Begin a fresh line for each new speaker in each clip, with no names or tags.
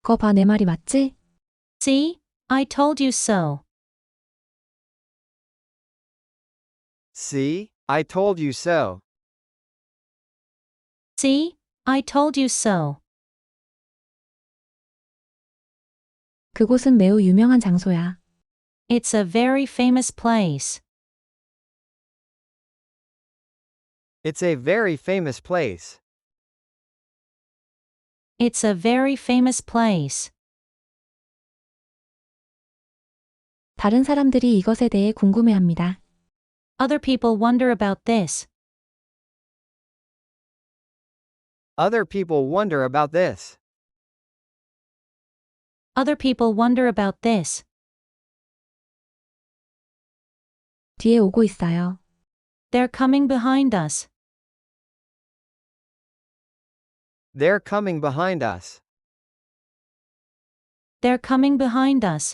거 봐, 내 말이 맞지?
See? I told you so.
See? I told you so.
See? I told you so.
그곳은 매우 유명한 장소야.
It's a very famous place.
It's a very famous place.
It's a very famous place.
다른 사람들이 이것에 대해 궁금해합니다.
Other people wonder about this.
Other people wonder about this.
Other people wonder about this.
뒤에 오고 있어요.
They're coming behind us.
They're coming behind us.
They're coming behind us.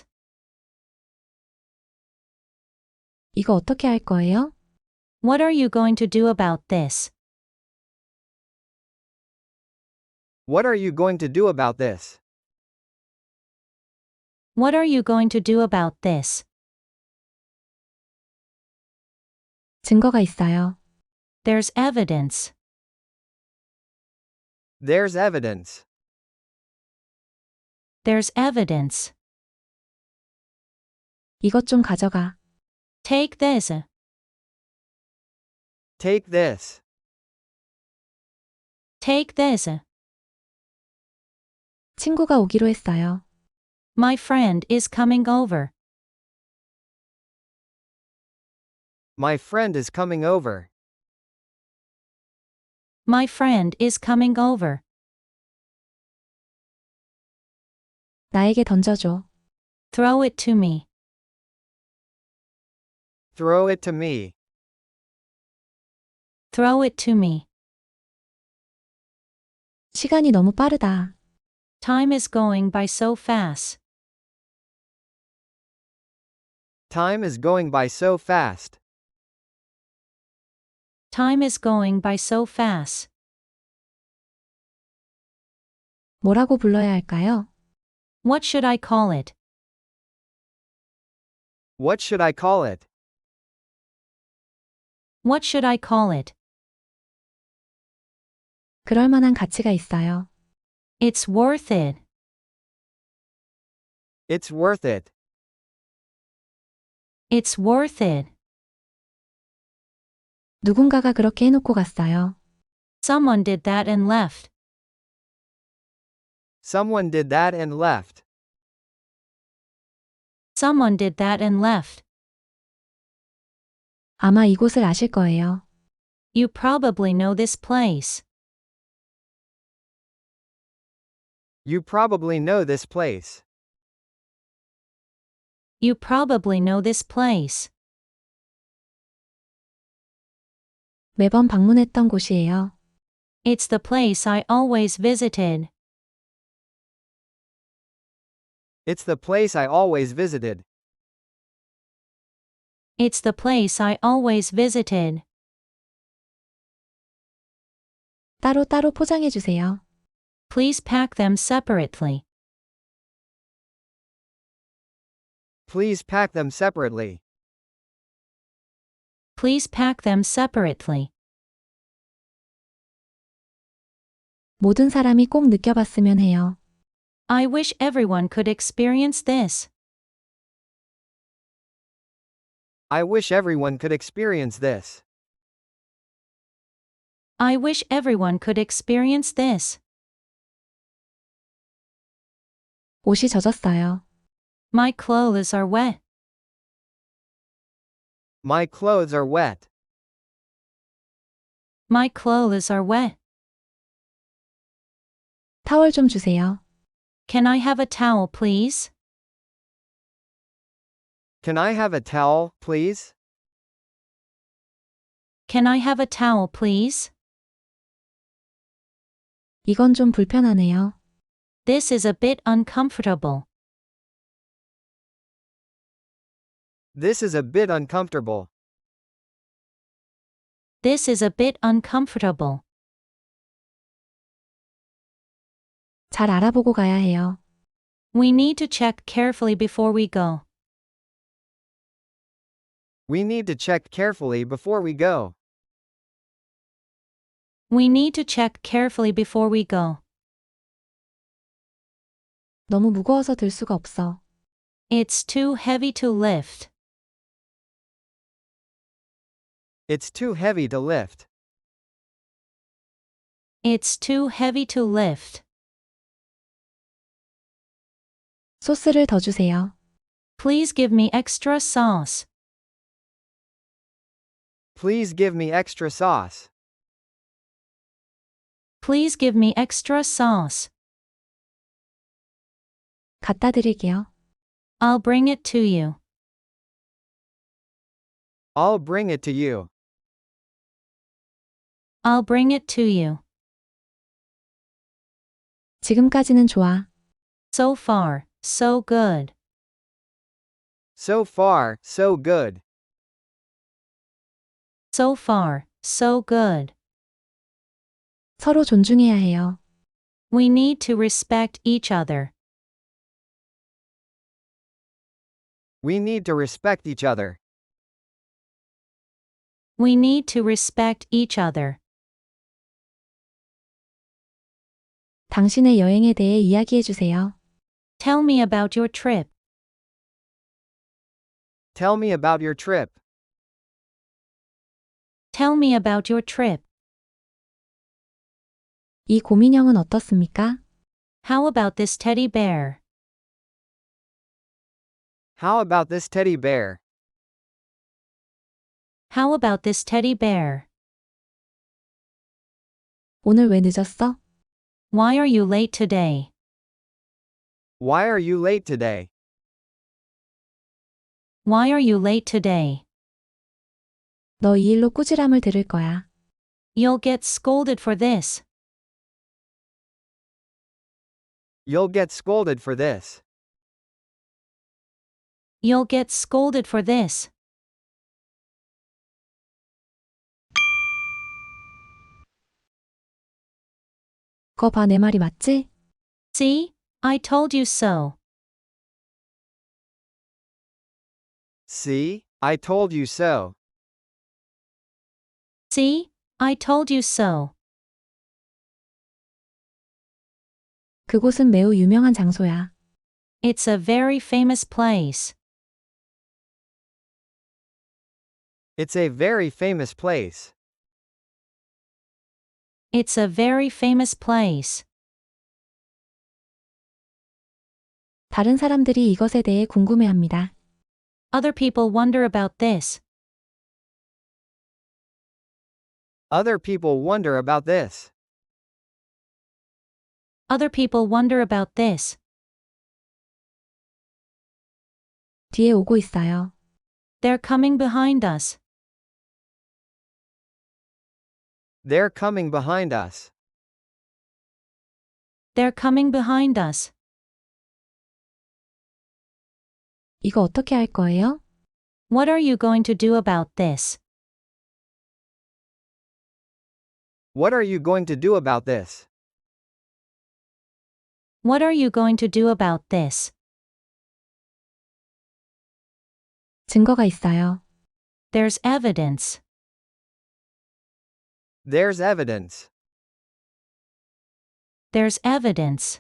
이거 어떻게 할 거예요?
What are you going to do about this?
What are you going to do about this?
What are you going to do about this?
증거가 있어요.
There's evidence.
There's evidence.
There's evidence.
이것 좀 가져가.
Take this.
Take this.
Take this.
친구가 오기로 했어요.
My friend is coming over.
My friend is coming over.
My friend is coming over.
나에게 던져줘.
Throw it to me.
Throw it to me.
Throw it to me.
시간이 너무 빠르다.
Time is going by so fast.
Time is going by so fast.
Time is going by so fast.
뭐라고 불러야 할까요?
What should I call it?
What should I call it?
What should I call it?
그럴 만한 가치가 있어요.
It's worth it.
It's worth it.
It's worth it.
누군가가 그렇게 해놓고 갔어요.
Someone did that and left.
Someone did that and left.
Someone did that and left.
아마 이곳을 아실 거예요.
You probably know this place.
You probably know this place.
You probably know this place.
매번 방문했던 곳이에요.
It's the place I always visited.
It's the place I always visited.
It's the place I always visited.
따로따로 포장해 주세요.
Please pack them separately.
Please pack them separately.
Please pack them separately.
모든 사람이 꼭 느껴봤으면 해요.
I wish everyone could experience this.
I wish everyone could experience this.
I wish everyone could experience this.
옷이 젖었어요.
My clothes are wet.
My clothes are wet.
My clothes are wet.
타월 좀 주세요.
Can I have a towel, please?
Can I have a towel, please?
Can I have a towel, please?
이건 좀 불편하네요.
This is a bit uncomfortable.
This is a bit uncomfortable.
This is a bit uncomfortable.
잘 알아보고 가야 해요.
We need to check carefully before we go.
We need to check carefully before we go.
We need to check carefully before we go.
너무 무거워서 들 수가 없어.
It's too heavy to lift.
It's too heavy to lift.
It's too heavy to lift.
소스를 더 주세요.
Please give me extra sauce.
Please give me extra sauce.
Please give me extra sauce.
갖다 드릴게요.
I'll bring it to you.
I'll bring it to you.
I'll bring it to you.
지금까지는 좋아.
So far, so good.
So far, so good.
So far, so good.
서로 존중해야 해요.
We need to respect each other.
We need to respect each other.
We need to respect each other.
당신의 여행에 대해 이야기해 주세요.
Tell me about your trip.
Tell me about your trip.
Tell me about your trip.
이 곰인형은 어떻습니까?
How about this teddy bear?
How about this teddy bear?
How about this teddy bear?
오늘 왜 늦었어?
Why are you late today?
Why are you late today?
Why are you late today?
너 이 일로 꾸지람을 들을 거야.
You'll get scolded for this.
You'll get scolded for this.
You'll get scolded for this.
거 봐, 내 말이 맞지?
See? I told you so.
See? I told you so.
See? I told you so.
그곳은 매우 유명한 장소야.
It's a very famous place.
It's a very famous place.
It's a very famous place.
다른 사람들이 이것에 대해 궁금해합니다.
Other people wonder about this.
Other people wonder about this.
Other people wonder about this.
뒤에 오고 있어요.
They're coming behind us.
They're coming behind us.
They're coming behind us.
이거 어떻게 할 거예요?
What are you going to do about this?
What are you going to do about this?
What are you going to do about this?
증거가 있어요.
There's evidence.
There's evidence.
There's evidence.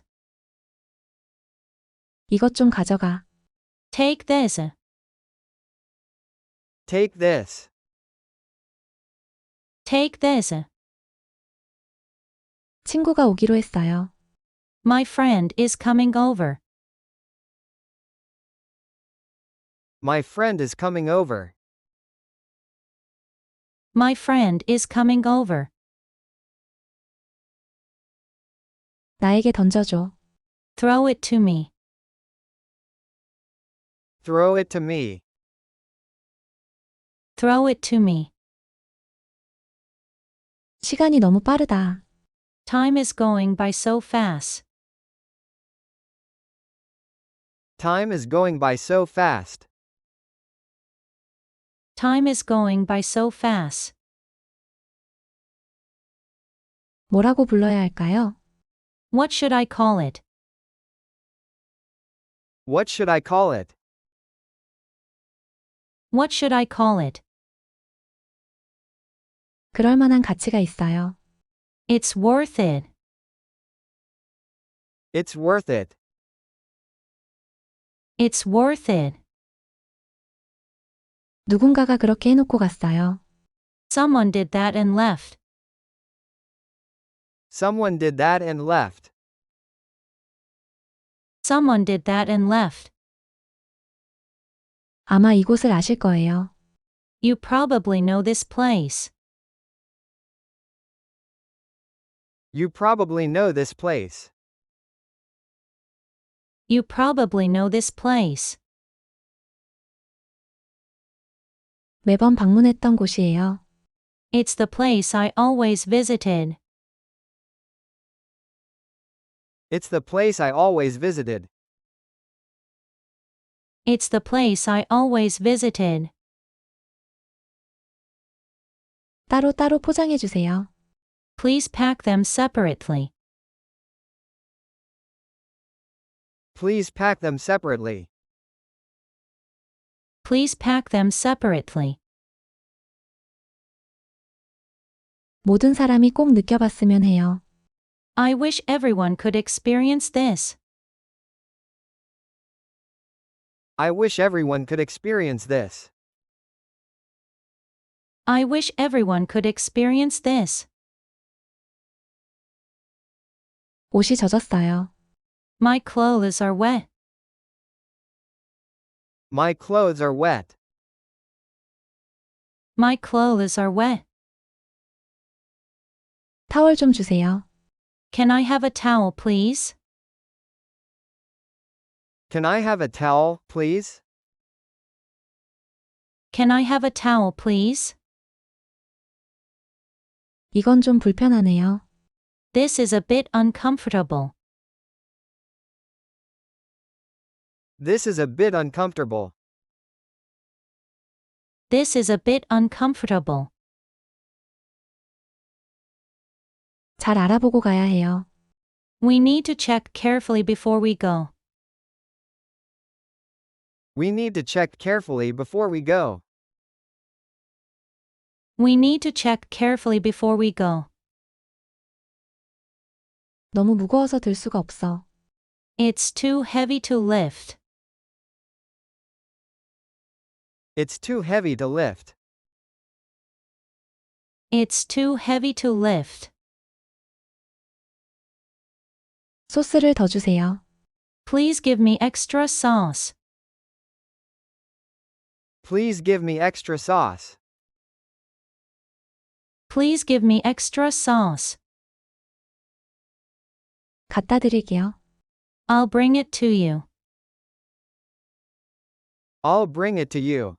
이것 좀 가져가.
Take this.
Take this.
Take this.
친구가 오기로 했어요.
My friend is coming over.
My friend is coming over.
My friend is coming over.
나에게 던져줘.
Throw it to me.
Throw it to me.
Throw it to me.
시간이 너무 빠르다.
Time is going by so fast.
Time is going by so fast.
Time is going by so fast.
뭐라고 불러야 할까요?
What should I call it?
What should I call it?
What should I call it?
그럴 만한 가치가 있어요.
It's worth it.
It's worth it.
It's worth it.
누군가가 그렇게 해놓고 갔어요.
Someone did that and left.
Someone did that and left.
Someone did that and left.
아마 이곳을 아실 거예요.
You probably know this place.
You probably know this place.
You probably know this place.
매번 방문했던 곳이에요.
It's the place I always visited.
It's the place I always visited.
It's the place I always visited.
따로따로 포장해 주세요.
Please pack them separately.
Please pack them separately.
Please pack them separately.
모든 사람이 꼭 느껴봤으면 해요.
I wish everyone could experience this.
I wish everyone could experience this.
I wish everyone could experience this.
옷이 젖었어요.
My clothes are wet.
My clothes are wet.
My clothes are wet.
타월 좀 주세요.
Can I have a towel, please?
Can I have a towel, please?
Can I have a towel, please?
이건 좀 불편하네요.
This is a bit uncomfortable.
This is a bit uncomfortable.
This is a bit uncomfortable.
잘 알아보고 가야 해요.
We need to check carefully before we go.
We need to check carefully before we go.
We need to check carefully before we go.
너무 무거워서 들 수가 없어.
It's too heavy to lift.
It's too heavy to lift.
It's too heavy to lift.
소스를 더 주세요.
Please give me extra sauce.
Please give me extra sauce.
Please give me extra sauce.
갖다 드릴게요.
I'll bring it to you.
I'll bring it to you.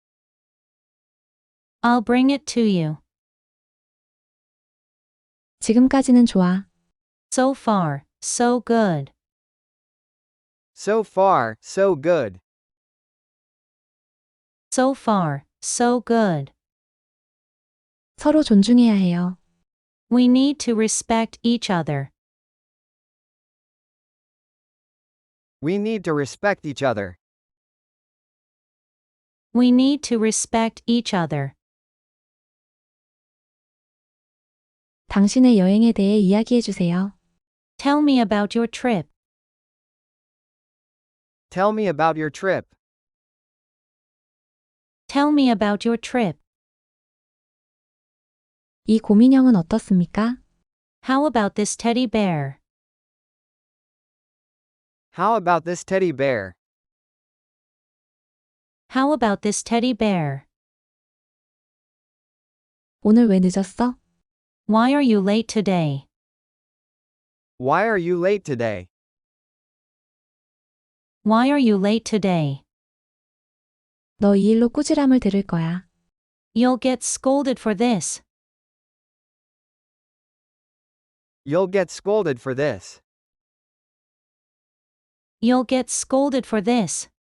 I'll bring it to you.
지금까지는 좋아.
So far, so good.
So far, so good.
So far, so good.
서로 존중해야 해요.
We need to respect each other.
We need to respect each other.
We need to respect each other.
당신의 여행에 대해 이야기해 주세요.
Tell me about your trip.
Tell me about your trip.
Tell me about your trip.
이 곰인형은 어떻습니까?
How about this teddy bear?
How about this teddy bear?
How about this teddy bear?
오늘 왜 늦었어?
Why are you late today?
Why are you late today?
Why are you late today?
너 이 일로 꾸지람을 들을 거야.
You'll get scolded for this.
You'll get scolded for this.
You'll get scolded for this.